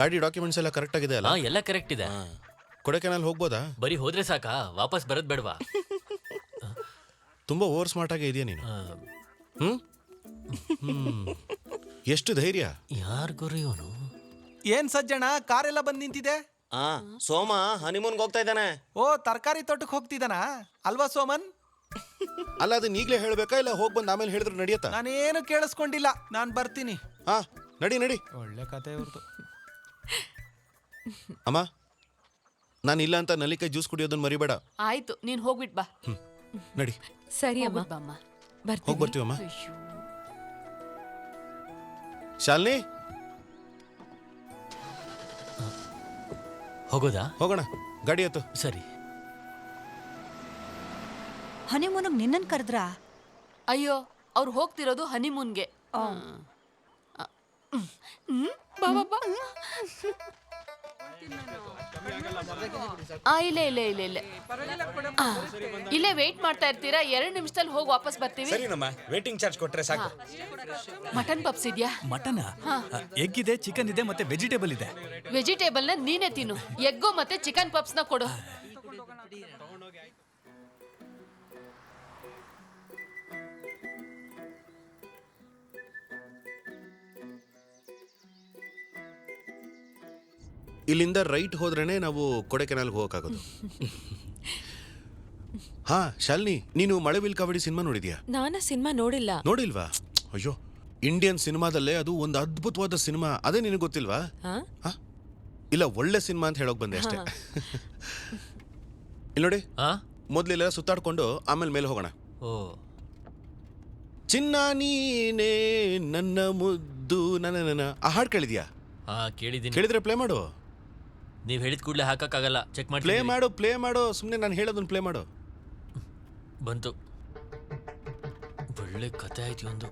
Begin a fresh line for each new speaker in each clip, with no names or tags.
ಗಾಡಿ ಡಾಕ್ಯುಮೆಂಟ್ಸ್ ಎಲ್ಲ ಕರೆಕ್ಟ್ ಆಗಿದೆ ಅಲ್ಲ?
ಎಲ್ಲ ಕರೆಕ್ಟ್ ಇದೆ.
ಕೊಡೈಕೆನಾಲ್ ಹೋಗ್ಬೋದಾ?
ಬರೀ ಹೋದ್ರೆ ಸಾಕಾ? ವಾಪಸ್ ಬರೋದ್ ಬೇಡವಾ?
ತುಂಬಾ ಓವರ್ ಸ್ಮಾರ್ಟ್ ಆಗಿ ಇದೆಯಾ ನೀನು. ಎಷ್ಟು ಧೈರ್ಯ.
ಯಾರ್ ಗುರು ಇವನು?
ಏನ್ ಸಜ್ಜಣ, ಕಾರೆಲ್ಲ ಬಂದ್ ನಿಂತಿದೆ.
ಸೋಮ ಹನಿಮೂನ್ಗೆ ಹೋಗ್ತಾ ಇದ್ದಾನೆ.
ಓ, ತರಕಾರಿ ತೋಟಕ್ಕೆ ಹೋಗ್ತಿದ್ದಾನ ಅಲ್ವಾ ಸೋಮನ್?
ಅಲ್ಲ, ಅದನ್ನ ಈಗಲೇ ಹೇಳ್ಬೇಕಾ ಇಲ್ಲ ಹೋಗ್ ಬಂದ್ ಆಮೇಲೆ ಹೇಳಿದ್ರೆ ನಡೆಯತ್ತಾ?
ನಾನೇನು ಕೇಳಿಸ್ಕೊಂಡಿಲ್ಲ, ನಾನ್ ಬರ್ತೀನಿ.
ಹಾ, ನಡಿ.
ಒಳ್ಳೆ ಕತೆ ಇವ್ರದ್ದು.
ಅಮ್ಮ, ನಾನು ಇಲ್ಲ ಅಂತ ನಲ್ಲಿಕಾಯಿ ಜ್ಯೂಸ್ ಕುಡಿಯೋದನ್ನ ಮರಿಬೇಡ.
ಆಯ್ತು, ನೀನ್ ಹೋಗ್ಬಿಟ್ ಬಾ.
ನಡಿ.
ಸರಿ ಅಮ್ಮ,
ಬಾಮ್ಮ.
ಹೋಗಿ ಬರ್ತೀವಮ್ಮ. ಶಾಲಿನಿ,
ಹೋಗೋದಾ?
ಹೋಗೋಣ, ಗಾಡಿ ಹತ್ತು.
ಸರಿ.
ಹನಿಮೂನಿಗೆ ನಿನ್ನನ್ ಕರೆದ್ರಾ?
ಅಯ್ಯೋ, ಅವ್ರು ಹೋಗ್ತಿರೋದು ಹನಿಮೂನ್ಗೆ. ಇಲ್ಲೇ ವೇಟ್ ಮಾಡ್ತಾ ಇರ್ತೀರಾ? 2 ನಿಮಿಷದಲ್ಲಿ ಹೋಗಿ ವಾಪಸ್ ಬರ್ತೀವಿ.
ಸರಿನಮ್ಮ, ವೇಟಿಂಗ್ ಚಾರ್ಜ್ ಕೊಟ್ರೆ ಸಾಕು.
ಮಟನ್ ಪಪ್ಸ್ ಇದೆಯಾ?
ಮಟನ್, ಎಗ್ ಇದೆ, ಚಿಕನ್ ಇದೆ, ಮತ್ತೆ ವೆಜಿಟೇಬಲ್ ಇದೆ.
ವೆಜಿಟೇಬಲ್ ನ ನೀನೇ ತಿನ್ನು, ಎಗ್ಗು ಮತ್ತೆ ಚಿಕನ್ ಪಪ್ಸ್ ನ ಕೊಡು.
ಇಲ್ಲಿಂದ ರೈಟ್ ಹೋದ್ರೇನೆ ನಾವು ಕೊಡೈಕೆನಾಲ್ಗೆ ಹೋಗಕ್ಕಾಗೋದು. ಹಾ ಶಾಲಿನಿ, ನೀನು ಮಳೆವಿಲ್ ಕಾವಡಿ ಸಿನಿಮಾ ನೋಡಿದ್ಯಾ?
ನಾನ ಸಿನಿಮಾ ನೋಡಿಲ್ಲ.
ನೋಡಿಲ್ವಾ? ಅಯ್ಯೋ, ಇಂಡಿಯನ್ ಸಿನಿಮಾದಲ್ಲೇ ಅದು ಒಂದು ಅದ್ಭುತವಾದ ಸಿನಿಮಾ. ಅದೇ ನಿನಗೆ ಗೊತ್ತಿಲ್ವಾ? ಇಲ್ಲ, ಒಳ್ಳೆ ಸಿನಿಮಾ ಅಂತ ಹೇಳೋಕ್ ಬಂದೆ ಅಷ್ಟೇ. ಇಲ್ಲಿ ನೋಡಿ, ಮೊದ್ಲೆಲ್ಲ ಸುತ್ತಾಡ್ಕೊಂಡು ಆಮೇಲೆ ಮೇಲೆ ಹೋಗೋಣ. ಚಿನ್ನ ನೀನೇ ನನ್ನ ಮುದ್ದು ನನ್ನ ಆ ಹಾಡು ಕೇಳಿದ್ಯಾ?
ಕೇಳಿದ್ದೀನಿ.
ಕೇಳಿದ್ರೆ ಪ್ಲೇ ಮಾಡು.
ನೀವ್ ಹೇಳಿದ ಕೂಡಲೇ ಹಾಕಕ್ಕಾಗಲ್ಲ, ಚೆಕ್ ಮಾಡಿ.
ಪ್ಲೇ ಮಾಡು ಸುಮ್ಮನೆ ನಾನು ಹೇಳೋದನ್ನ ಪ್ಲೇ ಮಾಡು.
ಬಂತು. ಒಳ್ಳೆ ಕತೆ ಆಯ್ತು ಒಂದು.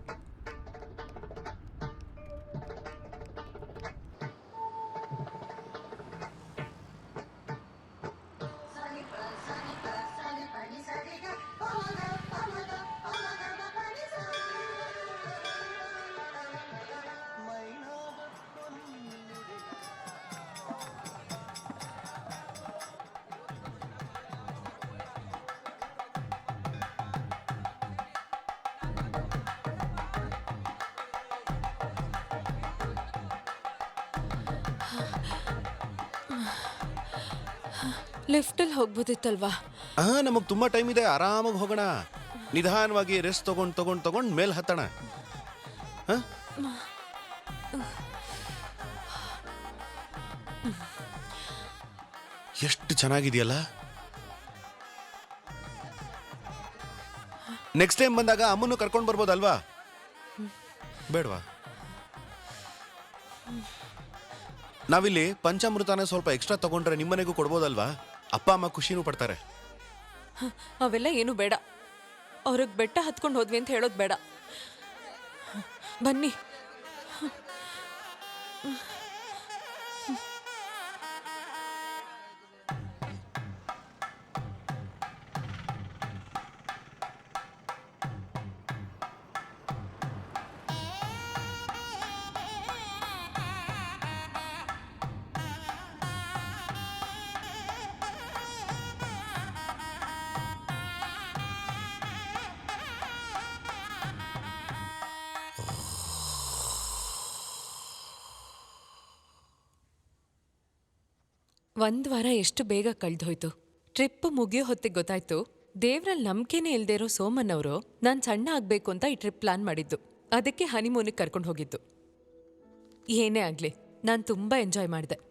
ಲಿಫ್ಟಲ್ಲಿ ಹೋಗ್ಬೋದಿತ್ತಲ್ವಾ?
ನಮಗ್ ತುಂಬಾ ಟೈಮ್ ಇದೆ, ಆರಾಮಾಗಿ ಹೋಗೋಣ. ನಿಧಾನವಾಗಿ ರೆಸ್ಟ್ ತಗೊಂಡ್ ಮೇಲ್ ಹತ್ತಣ. ಎಷ್ಟು ಚೆನ್ನಾಗಿದೆಯಲ್ಲ. ನೆಕ್ಸ್ಟ್ ಟೈಮ್ ಬಂದಾಗ ಅಮ್ಮನ್ನು ಕರ್ಕೊಂಡು ಬರ್ಬೋದಲ್ವಾ? ಬೇಡವಾ? ನಾವಿಲ್ಲಿ ಪಂಚಾಮೃತನ ಸ್ವಲ್ಪ ಎಕ್ಸ್ಟ್ರಾ ತಗೊಂಡ್ರೆ ನಿಮ್ಮನೆಗೂ ಕೊಡ್ಬೋದಲ್ವಾ? ಅಪ್ಪ ಅಮ್ಮ ಖುಷಿನೂ ಪಡ್ತಾರೆ.
ಅವೆಲ್ಲ ಏನು ಬೇಡ. ಅವ್ರಿಗೆ ಬೆಟ್ಟ ಹತ್ಕೊಂಡು ಹೋದ್ವಿ ಅಂತ ಹೇಳೋದು ಬೇಡ. ಬನ್ನಿ. ಒಂದ್ ವಾರ ಎಷ್ಟು ಬೇಗ ಕಳ್ದೋಯ್ತು. ಟ್ರಿಪ್ ಮುಗಿಯೋ ಹೊತ್ತಿಗೆ ಗೊತ್ತಾಯ್ತು, ದೇವ್ರಲ್ಲಿ ನಂಬಿಕೆನೇ ಇಲ್ದೇ ಇರೋ ಸೋಮನ್ ಅವರು ನಾನು ಸಣ್ಣ ಆಗ್ಬೇಕು ಅಂತ ಈ ಟ್ರಿಪ್ ಪ್ಲಾನ್ ಮಾಡಿದ್ದು. ಅದಕ್ಕೆ ಹನಿಮೂನಿಗೆ ಕರ್ಕೊಂಡು ಹೋಗಿದ್ದು. ಏನೇ ಆಗ್ಲಿ, ನಾನು ತುಂಬಾ ಎಂಜಾಯ್ ಮಾಡಿದೆ.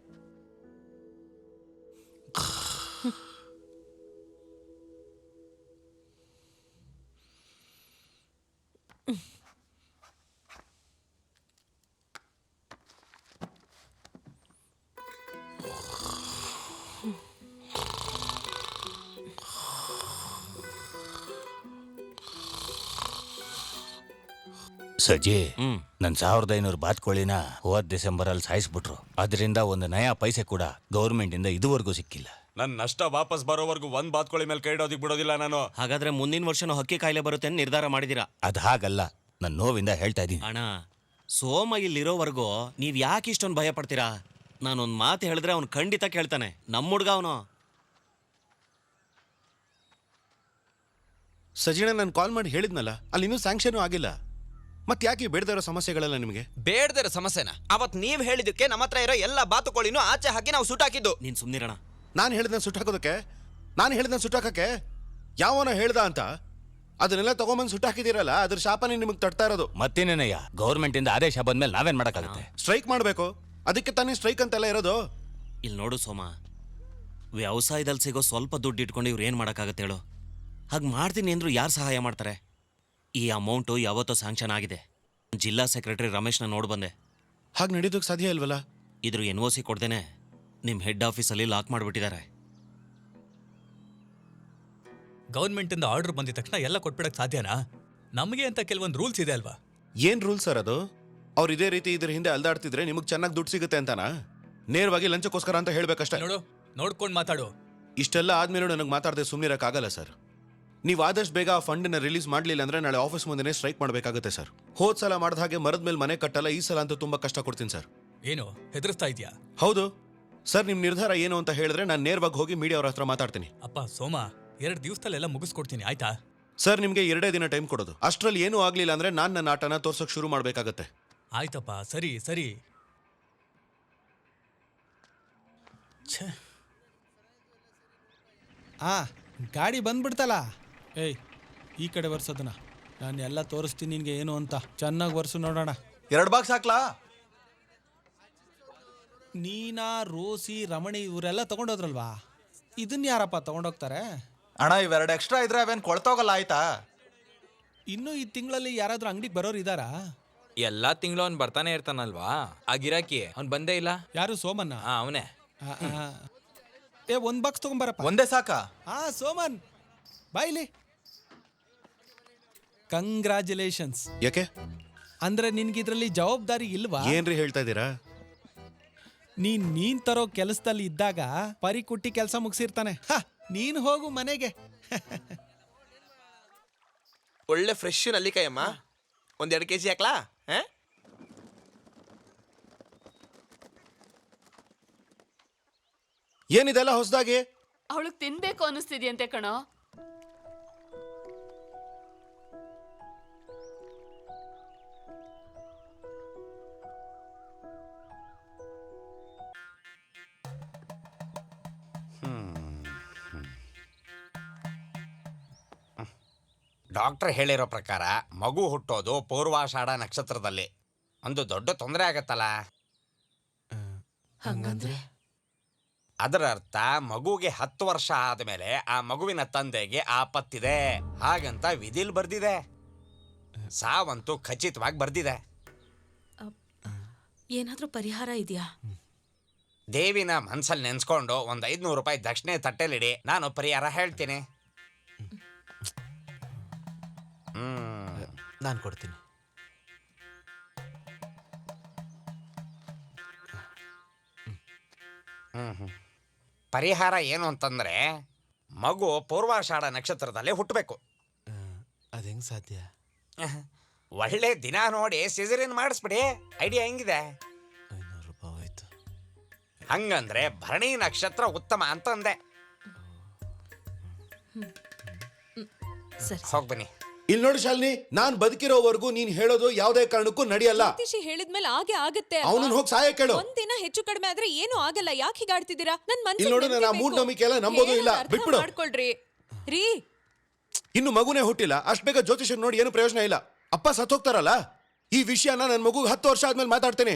ಸಜ್ಜಿ, ನನ್ 1500 ಬಾತ್ಕೋಳಿನ ಹೋದ ಡಿಸೆಂಬರಲ್ಲಿ ಸಾಯಿಸ್ಬಿಟ್ರು. ಅದರಿಂದ ಒಂದು ನಯಾ ಪೈಸೆ ಕೂಡ ಗೌರ್ಮೆಂಟ್ ಇಂದ ಇದುವರೆಗೂ ಸಿಕ್ಕಿಲ್ಲ.
ನನ್ನ ನಷ್ಟ ವಾಪಸ್ ಬರೋವರೆಗೂ ಒಂದ್ ಬಾತ್ಕೋಳಿ ಮೇಲೆ ಕೈ ಇಡೋದಿಕ್ ಬಿಡೋದಿಲ್ಲ ನಾನು.
ಹಾಗಾದ್ರೆ ಮುಂದಿನ ವರ್ಷನೂ ಹಕ್ಕಿ ಕಾಯಿಲೆ ಬರುತ್ತೆ ಅಂತ ನಿರ್ಧಾರ ಮಾಡಿದಿರಾ?
ಅದು ಹಾಗಲ್ಲ, ನನ್ನ ನೋವಿಂದ ಹೇಳ್ತಾ ಇದ್ದೀನಿ.
ಅಣ್ಣ, ಸೋಮ ಇಲ್ಲಿರೋವರೆಗೂ ನೀವ್ ಯಾಕೆ ಇಷ್ಟೊಂದು ಭಯ ಪಡ್ತೀರಾ? ನಾನೊಂದು ಮಾತು ಹೇಳಿದ್ರೆ ಅವ್ನು ಖಂಡಿತ ಕೇಳ್ತಾನೆ. ನಮ್ಮ ಹುಡ್ಗ ಅವನು.
ಸಜಿಣ ನಾನು ಕಾಲ್ ಮಾಡಿ ಹೇಳಿದ್ನಲ್ಲ, ಅಲ್ಲಿ ಇನ್ನೂ ಸ್ಯಾಂಕ್ಷನ್ ಆಗಿಲ್ಲ. ಮತ್ತೆ ಯಾಕೆ ಬೇಡದೇ ಇರೋ ಸಮಸ್ಯೆಗಳೆಲ್ಲ ನಿಮಗೆ?
ಬೇಡದಿರೋ ಸಮಸ್ಯೆನ ಅವತ್ ನೀವ್ ಹೇಳಿದಕ್ಕೆ ನಮ್ಮ ಹತ್ರ ಇರೋ ಎಲ್ಲ ಬಾತುಕೋಳಿನೂ ಆಚೆ ಹಾಕಿ ನಾವು ಸುಟ್ಟಾಕಿದ್ದು.
ನೀನು ಸುಮ್ಮನಿರೋಣ.
ನಾನು ಹೇಳಿದ್ನ ಸುಟ್ಟಾಕೋದಕ್ಕೆ, ನಾನು ಹೇಳಿದ್ನ ಸುಟ್ಟಾಕಕ್ಕೆ ಯಾವನ ಹೇಳ್ದ ಅಂತ ಅದನ್ನೆಲ್ಲ ತಗೊಂಬಂದು ಸುಟ್ಟಾಕಿದ್ದೀರಲ್ಲ, ಅದ್ರ ಶಾಪನೇ ನಿಮಗೆ ತಡ್ತಾ ಇರೋದು.
ಮತ್ತೇನೇನಯ್ಯ, ಗೌರ್ಮೆಂಟ್ ಇಂದ ಆದೇಶ ಬಂದ್ಮೇಲೆ ನಾವೇನ್ ಮಾಡಕ್ಕಾಗುತ್ತೆ?
ಸ್ಟ್ರೈಕ್ ಮಾಡಬೇಕು, ಅದಕ್ಕೆ ತಾನೇ ಸ್ಟ್ರೈಕ್ ಅಂತೆಲ್ಲ ಇರೋದು.
ಇಲ್ಲಿ ನೋಡು ಸೋಮ, ವ್ಯವಸಾಯದಲ್ಲಿ ಸಿಗೋ ಸ್ವಲ್ಪ ದುಡ್ಡು ಇಟ್ಕೊಂಡು ಇವ್ರು ಏನು ಮಾಡೋಕ್ಕಾಗತ್ತೆ ಹೇಳು? ಹಾಗೆ ಮಾಡ್ತೀನಿ ಅಂದ್ರು ಯಾರು ಸಹಾಯ ಮಾಡ್ತಾರೆ? ಈ ಅಮೌಂಟು ಯಾವತ್ತೋ ಸ್ಯಾಂಕ್ಷನ್ ಆಗಿದೆ. ಜಿಲ್ಲಾ ಸೆಕ್ರೆಟರಿ ರಮೇಶ್ನ ನೋಡಿ ಬಂದೆ.
ಹಾಗೆ ನಡೀದಕ್ಕೆ ಸಾಧ್ಯ ಇಲ್ವಲ್ಲ?
ಇದ್ರ NOC ಕೊಡ್ದೇನೆ ನಿಮ್ಮ ಹೆಡ್ ಆಫೀಸಲ್ಲಿ ಲಾಕ್ ಮಾಡಿಬಿಟ್ಟಿದ್ದಾರೆ.
ಗೌರ್ಮೆಂಟ್ ಇಂದ ಆರ್ಡರ್ ಬಂದಿದ ತಕ್ಷಣ ಎಲ್ಲ ಕೊಟ್ಬಿಡಕ್ ಸಾಧ್ಯನಾ? ನಮಗೆ ಅಂತ ಕೆಲವೊಂದು ರೂಲ್ಸ್ ಇದೆ ಅಲ್ವಾ?
ಏನ್ ರೂಲ್ ಸರ್ ಅದು? ಅವ್ರು ಇದೇ ರೀತಿ ಇದ್ರ ಹಿಂದೆ ಅಲ್ದಾಡ್ತಿದ್ರೆ ನಿಮಗೆ ಚೆನ್ನಾಗಿ ದುಡ್ಡು ಸಿಗುತ್ತೆ ಅಂತಾನಾ? ನೇರವಾಗಿ ಲಂಚಕ್ಕೋಸ್ಕರ ಅಂತ ಹೇಳ್ಬೇಕಷ್ಟೇ.
ನೋಡು, ನೋಡ್ಕೊಂಡು ಮಾತಾಡು.
ಇಷ್ಟೆಲ್ಲ ಆದ್ಮೇಲೆ ನನಗೆ ಮಾತಾಡದೆ ಸುಮ್ಮನಿರಕ್ಕಾಗಲ್ಲ ಸರ್. ನೀವು ಆದಷ್ಟು ಬೇಗ ಆ ಫಂಡನ್ನ ರಿಲೀಸ್ ಮಾಡಲಿಲ್ಲ ಅಂದ್ರೆ ನಾಳೆ ಆಫೀಸ್ ಮುಂದೆನೇ ಸ್ಟ್ರೈಕ್ ಮಾಡಬೇಕಾಗುತ್ತೆ ಸರ್. ಹೋದ್ ಸಲ ಮಾಡಿದ ಹಾಗೆ ಮರದ ಮೇಲೆ ಮನೆ ಕಟ್ಟಲ್ಲ, ಈ ಸಲ ಅಂತೂ ತುಂಬಾ ಕಷ್ಟ ಕೊಡ್ತೀನಿ ಸರ್.
ಏನು ಹೆದರ್ಸ್ತಾ ಇದೆಯಾ?
ಹೌದು ಸರ್, ನಿಮ್ಮ ನಿರ್ಧಾರ ಏನು ಅಂತ ಹೇಳಿದ್ರೆ ನಾನು ನೇರವಾಗಿ ಹೋಗಿ ಮೀಡಿಯಾ ಅವ್ರ ಹತ್ರ ಮಾತಾಡ್ತೀನಿ.
ಅಪ್ಪ ಸೋಮ, 2 ದಿವಸದಲ್ಲೆಲ್ಲ ಮುಗಿಸ್ಕೊಡ್ತೀನಿ, ಆಯ್ತಾ?
ಸರ್, ನಿಮಗೆ 2 ದಿನ ಟೈಮ್ ಕೊಡೋದು. ಅಷ್ಟರಲ್ಲಿ ಏನೂ ಆಗ್ಲಿಲ್ಲ ಅಂದ್ರೆ ನಾನು ನನ್ನ ಆಟನ ತೋರ್ಸೋಕೆ ಶುರು ಮಾಡಬೇಕಾಗತ್ತೆ.
ಆಯ್ತಪ್ಪ, ಸರಿ ಸರಿ.
ಗಾಡಿ ಬಂದ್ಬಿಡ್ತಲ್ಲ. ಏಯ್, ಈ ಕಡೆ ಬರ್ಸೋದನ್ನ ನಾನು ಎಲ್ಲ ತೋರಿಸ್ತೀನಿ ನಿನ್ಗೆ ಏನು ಅಂತ. ಚೆನ್ನಾಗಿ ಬರ್ಸು ನೋಡೋಣ.
2 ಬಾಕ್ಸ್ ಹಾಕ್ಲಾ?
ನೀನಾ, ರೋಸಿ, ರಮಣಿ ಇವರೆಲ್ಲ ತಗೊಂಡೋದ್ರಲ್ವಾ? ಇದನ್ನ ಯಾರಪ್ಪ ತಗೊಂಡೋಗ್ತಾರೆ?
ಅಣ್ಣ, ಇವೆರಡು ಎಕ್ಸ್ಟ್ರಾ ಇದ್ರೆ ಅವೇನು ಕೊಳ್ತೋಗಲ್ಲ, ಆಯ್ತಾ?
ಇನ್ನು ಈ ತಿಂಗಳಲ್ಲಿ ಯಾರಾದ್ರೂ ಅಂಗಡಿಗೆ ಬರೋರು ಇದಾರಾ?
ಎಲ್ಲಾ ತಿಂಗಳು ಅವ್ನು ಬರ್ತಾನೆ ಇರ್ತಾನಲ್ವಾ, ಆ ಗಿರಾಕಿ ಅವ್ನು ಬಂದೇ ಇಲ್ಲ.
ಯಾರು, ಸೋಮನ್ನ?
ಅವನೇ.
ಏ, 1 ಬಾಕ್ಸ್ ತಗೊಂಬರಪ್ಪ.
ಒಂದೇ ಸಾಕಾ?
ಸೋಮನ್ ಬಾಯ್ಲಿ. ಕಂಗ್ರ್ಯಾಚುಲೇಷನ್ಸ್.
ಯಾಕೆ?
ಅಂದ್ರೆ ನಿನ್ಗಿದ್ರಲ್ಲಿ ಜವಾಬ್ದಾರಿ ಇಲ್ವಾ?
ಏನ್ರಿ ಹೇಳ್ತಾ ಇದ್ದೀರಾ?
ನೀನ್ ತರೋ ಕೆಲಸದಲ್ಲಿ ಇದ್ದಾಗ ಪರಿ ಕುಟ್ಟಿ ಕೆಲಸ ಮುಗಿಸಿರ್ತಾನೆ. ನೀನ್ ಹೋಗು ಮನೆಗೆ.
ಒಳ್ಳೆ ಫ್ರೆಶ್ ನಲ್ಲಿಕಾಯಿ ಅಮ್ಮ, 1-2 kg ಹಾಕ್ಲಾ?
ಏನಿದೆಲ್ಲ ಹೊಸದಾಗಿ?
ಅವಳಿಗೆ ತಿನ್ಬೇಕು ಅನ್ನಿಸ್ತಿದ್ಯಂತೆ ಕಣೋ.
ಡಾಕ್ಟರ್ ಹೇಳಿರೋ ಪ್ರಕಾರ ಮಗು ಹುಟ್ಟೋದು ಪೂರ್ವಾಷಾಢ ನಕ್ಷತ್ರದಲ್ಲಿ. ಒಂದು ದೊಡ್ಡ ತೊಂದರೆ ಆಗತ್ತಲ್ಲ.
ಹಂಗಂದ್ರೆ
ಅದರ ಅರ್ಥ ಮಗುಗೆ 10 ವರ್ಷ ಆದಮೇಲೆ ಆ ಮಗುವಿನ ತಂದೆಗೆ ಆಪತ್ತಿದೆ ಹಾಗಂತ ವಿಧಿಲ್ ಬರ್ದಿದೆ. ಸಾವಂತೂ ಖಚಿತವಾಗಿ ಬರ್ದಿದೆ.
ಏನಾದ್ರೂ ಪರಿಹಾರ ಇದೆಯಾ?
ದೇವಿನ ಮನ್ಸಲ್ಲಿ ನೆನ್ಸ್ಕೊಂಡು ಒಂದು 500 ರೂಪಾಯಿ ದಕ್ಷಿಣೆ ತಟ್ಟೆಲಿಡಿ, ನಾನು ಪರಿಹಾರ ಹೇಳ್ತೀನಿ.
ನಾನು ಕೊಡ್ತೀನಿ.
ಪರಿಹಾರ ಏನು ಅಂತಂದ್ರೆ ಮಗು ಪೂರ್ವಾಷಾಢ ನಕ್ಷತ್ರದಲ್ಲಿ ಹುಟ್ಟಬೇಕು.
ಅದೇಂಗ್ ಸಾಧ್ಯ?
ಒಳ್ಳೆ ದಿನ ನೋಡಿ ಸಿಸರಿನ್ ಮಾಡಿಸ್ಬಿಡಿ. ಐಡಿಯಾ ಹೆಂಗಿದೆ?
500 ರೂಪಾಯಿ ಆಯ್ತು.
ಹಂಗಂದ್ರೆ ಭರಣಿ ನಕ್ಷತ್ರ ಉತ್ತಮ ಅಂತಂದೆ. ಹೋಗ್ಬನ್ನಿ.
ಇಲ್ಲಿ ನೋಡಿ ಶಾಲಿನಿ, ನಾನ್ ಬದುಕಿರೋವರೆಗೂ ನೀನ್ ಹೇಳೋದು ಯಾವುದೇ ಕಾರಣಕ್ಕೂ ನಡೆಯಲ್ಲ.
ಹೇಳಿದ್ಮೇಲೆ ಹಾಗೆ ಆಗತ್ತೆ.
ಅವನನ್ನ ಹೋಗಿ ಸಹಾಯ ಕೇಳು.
ಒಂದಿನ ಹೆಚ್ಚು ಕಡಿಮೆ ಆದ್ರೆ ಏನು ಆಗಲ್ಲ. ಯಾಕೆ ಹೀಗಾಡ್ತಿದ್ದೀರಾ? ನನ್
ಇಲ್ಲಿ ನೋಡಿ, ನಾನು ಆ ಮೂಢನಂಬಿಕೆ ಎಲ್ಲ ನಂಬೋದು ಇಲ್ಲ. ಬಿಟ್ಬಿಡು.
ಮಾಡ್ಕೊಳ್ರಿ ರೀ.
ಇನ್ನು ಮಗುನೇ ಹುಟ್ಟಿಲ್ಲ, ಅಷ್ಟ್ ಬೇಗ ಜ್ಯೋತಿಷನ್ ನೋಡಿ ಏನು ಪ್ರಯೋಜನ ಇಲ್ಲ. ಅಪ್ಪ ಸತ್ತೋಗ್ತಾರಲ್ಲ. ಈ ವಿಷಯನ ನನ್ನ ಮಗುಗೆ 10 ವರ್ಷ ಆದ್ಮೇಲೆ ಮಾತಾಡ್ತೇನೆ.